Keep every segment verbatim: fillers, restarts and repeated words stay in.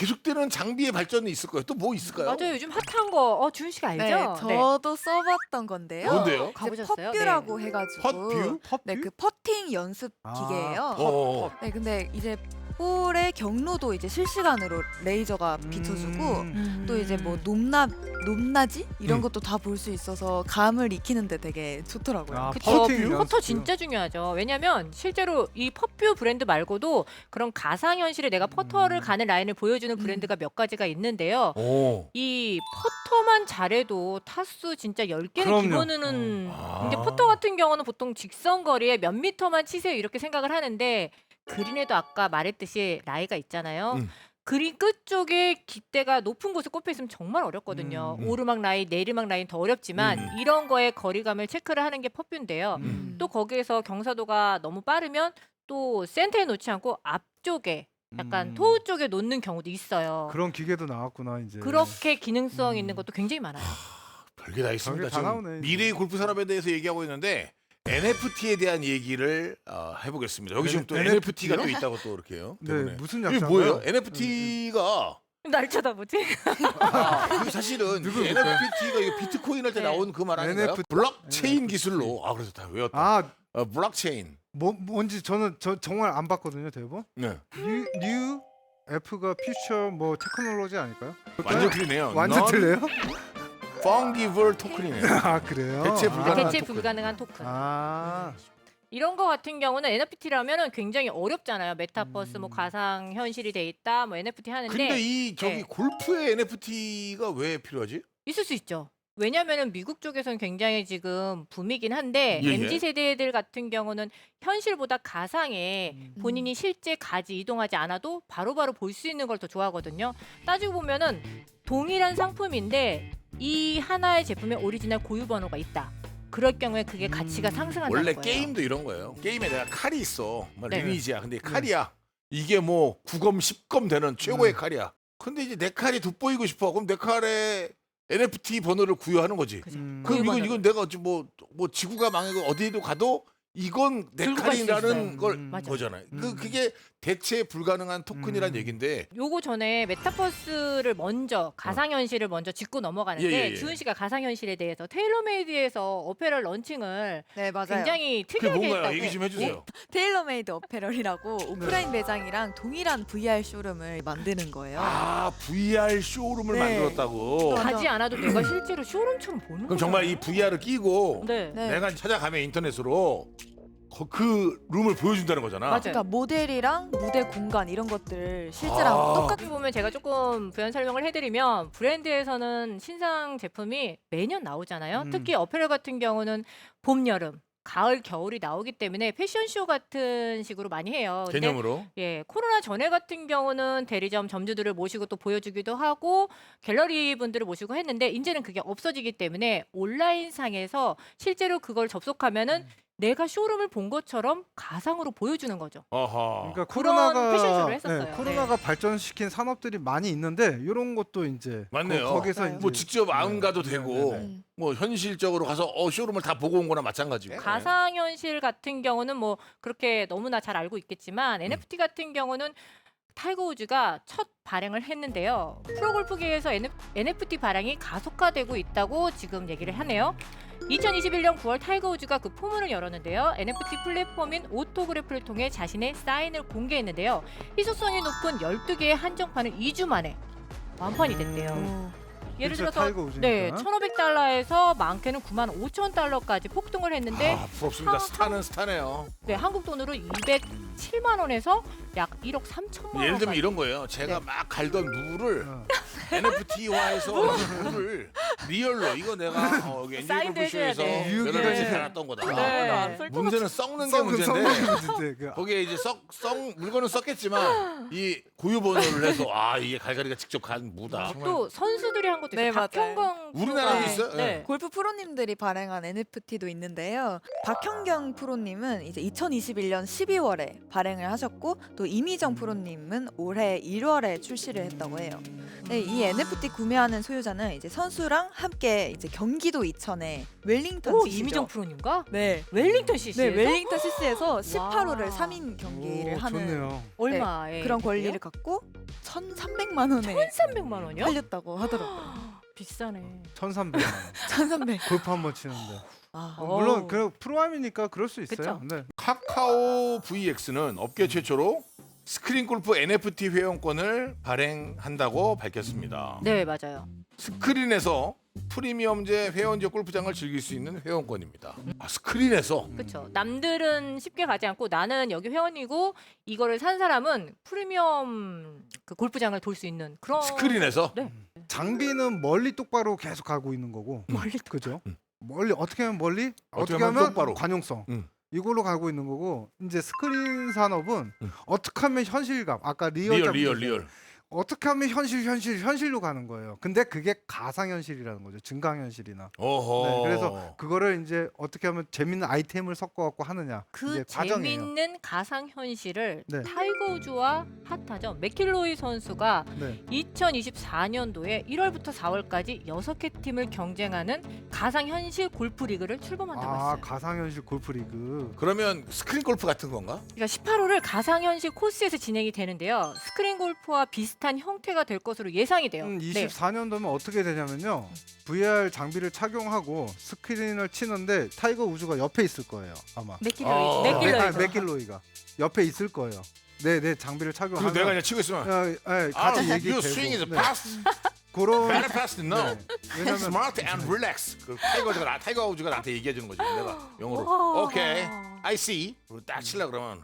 계속되는 장비의 발전이 있을 거예요. 또 뭐 있을까요? 맞아요. 요즘 핫한 거 어, 주은 씨가 알죠? 네, 저도 써봤던 건데요. 뭔데요? 이제 가보셨어요? 퍼뷰라고 해가지고 퍼뷰? 네, 그 퍼팅 연습 아, 기계예요. 어. 네, 근데 이제 볼의 경로도 이제 실시간으로 레이저가 비춰주고 음. 또 이제 뭐 높낮 높낮이 이런 음. 것도 다 볼 수 있어서 감을 익히는데 되게 좋더라고요. 아, 그쵸. 퍼팅 퍼터 연습. 진짜 중요하죠. 왜냐면 실제로 이 퍼뷰 브랜드 말고도 그런 가상현실에 내가 퍼터를 음. 가는 라인을 보여주는 음. 브랜드가 몇 가지가 있는데요. 오. 이 퍼터만 잘해도 타수 진짜 열 개는 그럼요. 기본은 어. 근데 아. 퍼터 같은 경우는 보통 직선 거리에 몇 미터만 치세요 이렇게 생각을 하는데 그린에도 아까 말했듯이 라이가 있잖아요. 음. 그린 끝 쪽에 깃대가 높은 곳에 꼽혀 있으면 정말 어렵거든요. 음. 오르막 라인, 내리막 라인 더 어렵지만 음. 이런 거에 거리감을 체크를 하는 게 퍼뷰인데요. 음. 또 거기에서 경사도가 너무 빠르면 또 센터에 놓지 않고 앞쪽에 약간 음. 토우 쪽에 놓는 경우도 있어요. 그런 기계도 나왔구나 이제. 그렇게 기능성 음. 있는 것도 굉장히 많아요. 별게 다 있습니다. 별게 다 지금 나오네, 이제. 미래의 골프 산업에 대해서 얘기하고 있는데 엔에프티에 대한 얘기를 어, 해보겠습니다. 여기 지금 또 엔- 엔에프티가 또 엔에프티요? 있다고 또 이렇게요. 네, 때문에. 무슨 이게 약자인가요? 뭐예요? 엔에프티가 날 쳐다보지? 아, 이게 사실은 누구 엔에프티가 이거 비트코인 할 때 네. 나온 그 말 아닌가요? 엔에프티. 블록체인 엔에프티. 기술로. 아 그래서 다 외웠다. 아, 어, 블록체인. 뭐 뭔지 저는 저 정말 안 봤거든요, 대본. 네. 뉴, 뉴 F가 퓨처 뭐 테크놀로지 아닐까요? 완전 틀리네요. 완전 틀려요? 펑기블 토큰이네요. 아, 그래요? 대체 아. 불가능한 대체 토큰. 불가능한 토큰. 아, 이런 거 같은 경우는 엔에프티라면은 굉장히 어렵잖아요. 메타버스 뭐 음. 가상 현실이 돼 있다. 뭐 엔에프티 하는데 근데 이 저기 네. 골프에 엔에프티가 왜 필요하지? 있을 수 있죠. 왜냐면은 미국 쪽에서는 굉장히 지금 붐이긴 한데 예, 예. 엠지 세대들 같은 경우는 현실보다 가상에 음. 본인이 실제 가지 이동하지 않아도 바로바로 볼 수 있는 걸 더 좋아하거든요. 따지고 보면은 동일한 상품인데 이 하나의 제품에 오리지널 고유 번호가 있다. 그럴 경우에 그게 가치가 음. 상승한다는 원래 거예요. 게임도 이런 거예요. 게임에 내가 칼이 있어. 뭐 네. 리니지야. 근데 칼이야. 이게 뭐 구 검, 십 검 되는 최고의 음. 칼이야. 근데 이제 내 칼이 돋보이고 싶어. 그럼 내 칼에 엔에프티 번호를 구효하는 거지. 그죠. 음. 그럼 이건 번호를. 이건 내가 어찌 뭐, 뭐 지구가 망하고 어디에도 가도 이건 내 들고 갈수 칼이라는 있어요. 걸 음. 맞아. 거잖아요. 그 음. 그게 대체 불가능한 토큰이란 음. 얘긴데 요거 전에 메타버스를 먼저 가상현실을 먼저 짚고 넘어가는데 예, 예, 예. 주은 씨가 가상현실에 대해서 테일러메이드에서 어페럴 런칭을 네, 맞아요. 굉장히 그게 특이하게 뭔가요? 했다고. 얘기 좀 해주세요. 테일러메이드 어페럴이라고 오프라인 매장이랑 동일한 브이알 쇼룸을 만드는 거예요. 아 브이알 쇼룸을 네. 만들었다고. 또- 가지 않아도 내가 실제로 쇼룸처럼 보는 그럼 거잖아요. 정말 이 브이알을 끼고 네. 네. 내가 찾아가면 인터넷으로 거- 그 룸을 보여준다는 거잖아. 맞아요. 그러니까 모델이랑 무대 공간 이런 것들을 실제랑 아. 똑같이 어떻게 보면 제가 조금 부연 설명을 해드리면 브랜드에서는 신상 제품이 매년 나오잖아요. 음. 특히 어페럴 같은 경우는 봄, 여름, 가을, 겨울이 나오기 때문에 패션쇼 같은 식으로 많이 해요. 근데 개념으로. 예, 코로나 전에 같은 경우는 대리점 점주들을 모시고 또 보여주기도 하고 갤러리 분들을 모시고 했는데 이제는 그게 없어지기 때문에 온라인 상에서 실제로 그걸 접속하면은 내가 쇼룸을 본 것처럼 가상으로 보여주는 거죠. 어허. 그러니까 그런 코로나가 패션쇼를 했었어요. 네, 코로나가 발전시킨 산업들이 많이 있는데 이런 것도 이제 맞네요. 거, 기서 맞아요. 뭐 직접 안 가도 네, 되고 네, 네. 음. 뭐 현실적으로 가서 어 쇼룸을 다 보고 온 거나 마찬가지고. 가상현실 같은 경우는 뭐 그렇게 너무나 잘 알고 있겠지만 음. 엔에프티 같은 경우는 타이거 우즈가 첫 발행을 했는데요. 프로골프계에서 엔에프티 발행이 가속화되고 있다고 지금 얘기를 하네요. 이천이십일 년 구월 타이거 우즈가 그 포문을 열었는데요. 엔에프티 플랫폼인 오토그래프를 통해 자신의 사인을 공개했는데요. 희소성이 높은 열두 개의 한정판은 이 주 만에 완판이 됐대요. 어. 예를 진짜 들어서 타이거 우즈니까. 네, 천오백 달러에서 많게는 구만 오천 달러까지 폭등을 했는데 아 부럽습니다. 한- 스타는 스타네요. 네, 한국 돈으로 이백칠만 원에서 약 일억 삼천만 원. 예를 들면 이런 거예요. 제가 네. 막 갈던 물을 어. 엔에프티화해서 물을 리얼로 이거 내가 어, 여기 엔젤 사인도 골프쇼에서 해줘야 돼. 여러 가지 네. 달았던 거다. 네. 아, 네. 문제는 썩는 게 썩은 문제인데 문제인데 그 거기에 이제 썩썩 물건은 썩겠지만 이 고유 번호를 해서 아 이게 갈갈이가 직접 간 무다. 또 선수들이 한 것도 있어요. 네, 맞아요. 박형광 우리나라도 프로가- 있어요? 네. 네. 골프 프로님들이 발행한 엔에프티도 있는데요. 박현경 프로님은 이제 이천이십일 년 십이월에 발행을 하셨고 또 이미정 프로님은 올해 일월에 출시를 했다고 해요. 네, 이 엔에프티 구매하는 소유자는 이제 선수랑 함께 이제 경기도 이천에 웰링턴 오 씨씨죠. 이미정 프로님과 네. 웰링턴 씨씨. 네, 웰링턴 씨씨에서 십팔 호를 와. 삼 인 경기를 오, 하는 좋네요. 얼마에 그런 권리를 갖고 천삼백만 원에 천삼백만 원이요? 팔렸다고 하더라고요. 비싸네. 천삼백만 원. 천삼백. 골프 한 번 치는데. 아, 어, 물론 어우. 그 프로암이니까 그럴 수 있어요. 그쵸? 네. 카카오 브이엑스는 업계 최초로 스크린 골프 엔에프티 회원권을 발행한다고 밝혔습니다. 네 맞아요. 스크린에서 프리미엄제 회원제 골프장을 즐길 수 있는 회원권입니다. 아, 스크린에서 그렇죠. 남들은 쉽게 가지 않고 나는 여기 회원이고 이거를 산 사람은 프리미엄 그 골프장을 돌 수 있는 그런 스크린에서 네. 장비는 멀리 똑바로 계속 가고 있는 거고. 멀리 그죠? 음. 멀리 어떻게 하면 멀리? 어떻게 어떻게 하면 하면 똑바로. 관용성. 음. 이걸로 가고 있는 거고 이제 스크린 산업은 음. 어떻게 하면 현실감 아까 리얼 리얼 잡으셨죠? 리얼 리얼. 어떻게 하면 현실 현실 현실로 가는 거예요. 근데 그게 가상 현실이라는 거죠. 증강 현실이나. 어허. 네, 그래서 그거를 이제 어떻게 하면 재밌는 아이템을 섞어 갖고 하느냐. 그 이제 과정이에요. 재밌는 가상 현실을 네. 타이거 우즈와 핫하죠. 맥킬로이 선수가 네. 이천이십사 년도에 일월부터 사월까지 여섯 개 팀을 경쟁하는 가상 현실 골프 리그를 출범한다고 아, 했어요. 가상 현실 골프 리그. 그러면 스크린 골프 같은 건가? 그러니까 십팔 호를 가상 현실 코스에서 진행이 되는데요. 스크린 골프와 비슷한 형태가 될 것으로 예상이 돼요. 음, 네. 이십사 년도면 어떻게 되냐면요. 브이알 장비를 착용하고 스크린을 치는데 타이거 우즈가 옆에 있을 거예요. 아마. 맥킬로이, 어. 맥킬로이. 아, 맥길로이가 옆에 있을 거예요. 네, 네 장비를 그리고 착용하면 내가 그냥 치고 있으면 야, 예, 아, 같이 you 얘기되고. swing is 네. fast, 그런 better fast, no. 네. 왜냐면 Smart and relax. 그 타이거즈가 나 타이거 우즈가 나한테 얘기해 주는 거지. 내가 영어로. 와. 오케이, I see. 그리고 딱 칠라 그러면.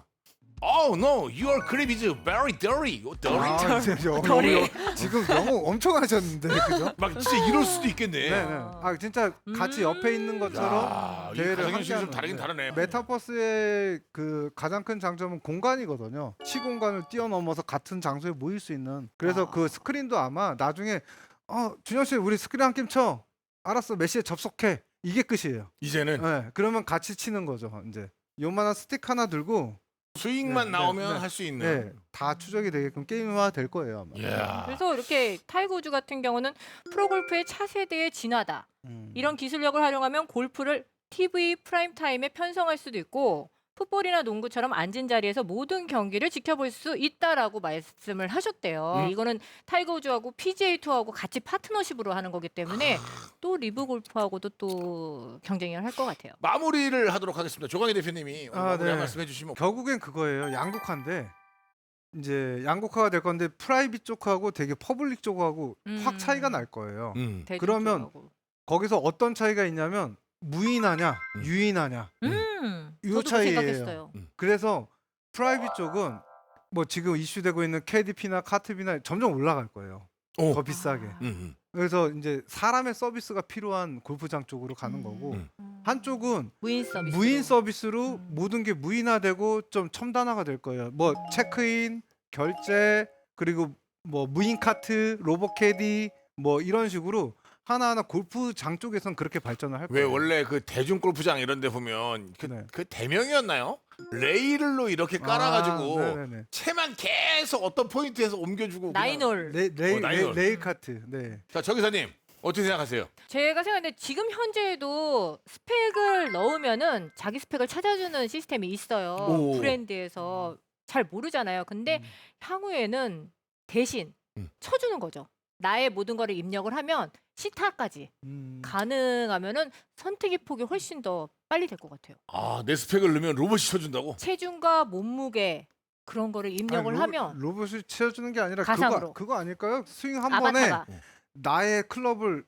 Oh no, your grip is very dirty. Oh, dirty. 아, 진짜 영어, 덜이. 영어, 지금 영어 엄청 하셨는데 그죠? 막 진짜 이럴 수도 있겠네. 네, 네. 아 진짜 같이 옆에 있는 것처럼 야, 이 대회를 가상 현실이 좀 함께하는, 다르긴 네. 다르네. 메타버스의 그 가장 큰 장점은 공간이거든요. 시공간을 뛰어넘어서 같은 장소에 모일 수 있는. 그래서 아. 그 스크린도 아마 나중에 어 준현 씨 우리 스크린 한 게임 쳐. 알았어 몇 시에 접속해. 이게 끝이에요. 이제는 네, 그러면 같이 치는 거죠. 이제 요만한 스틱 하나 들고 스윙만 네, 나오면 네, 네. 할 수 있는. 네, 다 추적이 되게끔 게임화 될 거예요 아마. 이야. 그래서 이렇게 타이거 우즈 같은 경우는 프로골프의 차세대의 진화다. 음. 이런 기술력을 활용하면 골프를 티비 프라임 타임에 편성할 수도 있고 풋볼이나 농구처럼 앉은 자리에서 모든 경기를 지켜볼 수 있다라고 말씀을 하셨대요. 음. 이거는 타이거 우즈하고 피지에이 투어하고 같이 파트너십으로 하는 거기 때문에 또 리브 골프하고도 또 경쟁을 할 것 같아요. 마무리를 하도록 하겠습니다. 조광희 대표님이 오늘 아, 마무리 한 네. 말씀 해주시면. 결국엔 그거예요. 양극화인데 이제 양극화가 될 건데 프라이빗 쪽하고 되게 퍼블릭 쪽하고 음. 확 차이가 날 거예요. 음. 대중 그러면 쪽하고. 거기서 어떤 차이가 있냐면 무인하냐 음. 유인하냐. 음, 요 저도 그 차이예요. 생각했어요. 그래서 프라이빗 쪽은 뭐 지금 이슈되고 있는 케이디피나 카트비나 점점 올라갈 거예요. 오. 더 비싸게. 아. 음, 음. 그래서 이제 사람의 서비스가 필요한 골프장 쪽으로 가는 음. 거고 음. 한쪽은 무인 서비스. 무인 서비스로 음. 모든 게 무인화되고 좀 첨단화가 될 거예요. 뭐 체크인, 결제, 그리고 뭐 무인 카트, 로봇 캐디 뭐 이런 식으로 하나하나 골프장 쪽에선 그렇게 발전을 할 왜 거예요. 원래 그 대중 골프장 이런 데 보면 그, 네. 그 대명이었나요? 레일로 이렇게 깔아가지고 아, 네네네. 채만 계속 어떤 포인트에서 옮겨주고. 그냥- 나인홀. 레, 레일, 어, 나인홀. 레일, 레일 카트. 네. 자, 정 기사님 어떻게 생각하세요? 제가 생각하는데 지금 현재에도 스펙을 넣으면은 자기 스펙을 찾아주는 시스템이 있어요. 오. 브랜드에서 잘 모르잖아요. 근데 음. 향후에는 대신 음. 쳐주는 거죠. 나의 모든 거를 입력을 하면 시타까지 음. 가능하면은 선택의 폭이 훨씬 더 빨리 될 것 같아요. 아, 내 스펙을 넣으면 로봇이 쳐준다고? 체중과 몸무게 그런 거를 입력을 아니, 로, 하면 로봇이 채워주는 게 아니라 가상으로. 그거 그거 아닐까요? 스윙 한 번에 아바타가 나의 클럽을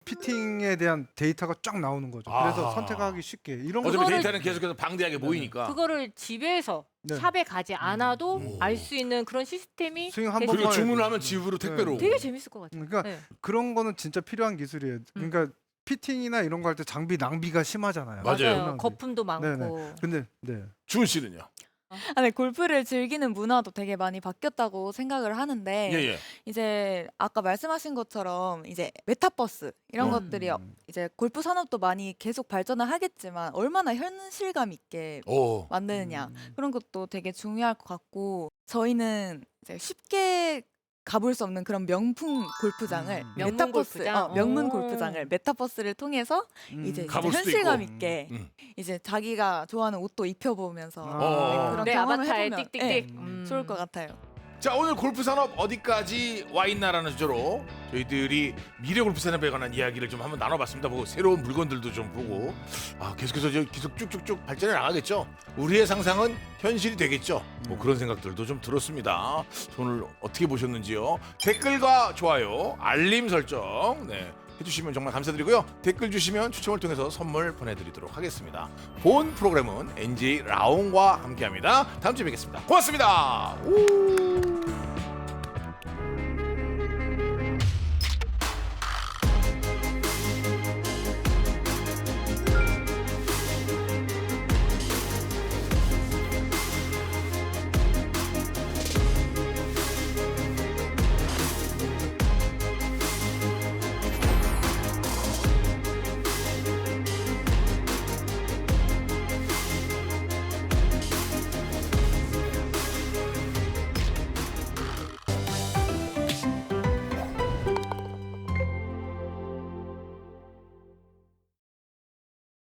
피팅에 대한 데이터가 쫙 나오는 거죠. 그래서 아하. 선택하기 쉽게 이런 거. 어차피 그거를- 데이터는 계속해서 방대하게 네. 모이니까. 그거를 집에서 네. 샵에 가지 않아도 음. 알 수 있는 그런 시스템이 스윙 한 되게- 그리고 번만 주문을 하면 집으로 택배로. 되게 재밌을 것 같아요. 그러니까 네. 그런 거는 진짜 필요한 기술이에요. 그러니까 피팅이나 이런 거 할 때 장비 낭비가 심하잖아요. 맞아요. 낭비. 거품도 많고. 네네. 근데 네. 주은 씨는요? 아, 네, 골프를 즐기는 문화도 되게 많이 바뀌었다고 생각을 하는데 예, 예. 이제 아까 말씀하신 것처럼 이제 메타버스 이런 음. 것들이 어- 이제 골프 산업도 많이 계속 발전을 하겠지만 얼마나 현실감 있게 오. 만드느냐 음. 그런 것도 되게 중요할 것 같고 저희는 이제 쉽게 가볼 수 없는 그런 명품 골프장을 음. 명문 메타버스, 골프장? 어, 명문 오. 골프장을 메타버스를 통해서 음. 이제 진짜 가볼 수도 현실감 있고. 있게 음. 이제 자기가 좋아하는 옷도 입혀보면서 어. 네, 그런 내 경험을 아바타에 해보면 띡띡띡. 네, 음. 좋을 것 같아요. 자, 오늘 골프 산업 어디까지 와 있나라는 주제로 저희들이 미래 골프 산업에 관한 이야기를 좀 한번 나눠봤습니다. 보고 새로운 물건들도 좀 보고 아 계속해서 저 계속 쭉쭉쭉 발전해 나가겠죠. 우리의 상상은 현실이 되겠죠. 뭐 그런 생각들도 좀 들었습니다. 오늘 어떻게 보셨는지요? 댓글과 좋아요, 알림 설정 네. 해주시면 정말 감사드리고요. 댓글 주시면 추첨을 통해서 선물 보내드리도록 하겠습니다. 본 프로그램은 엔제이 라온과 함께합니다. 다음 주에 뵙겠습니다. 고맙습니다. 오!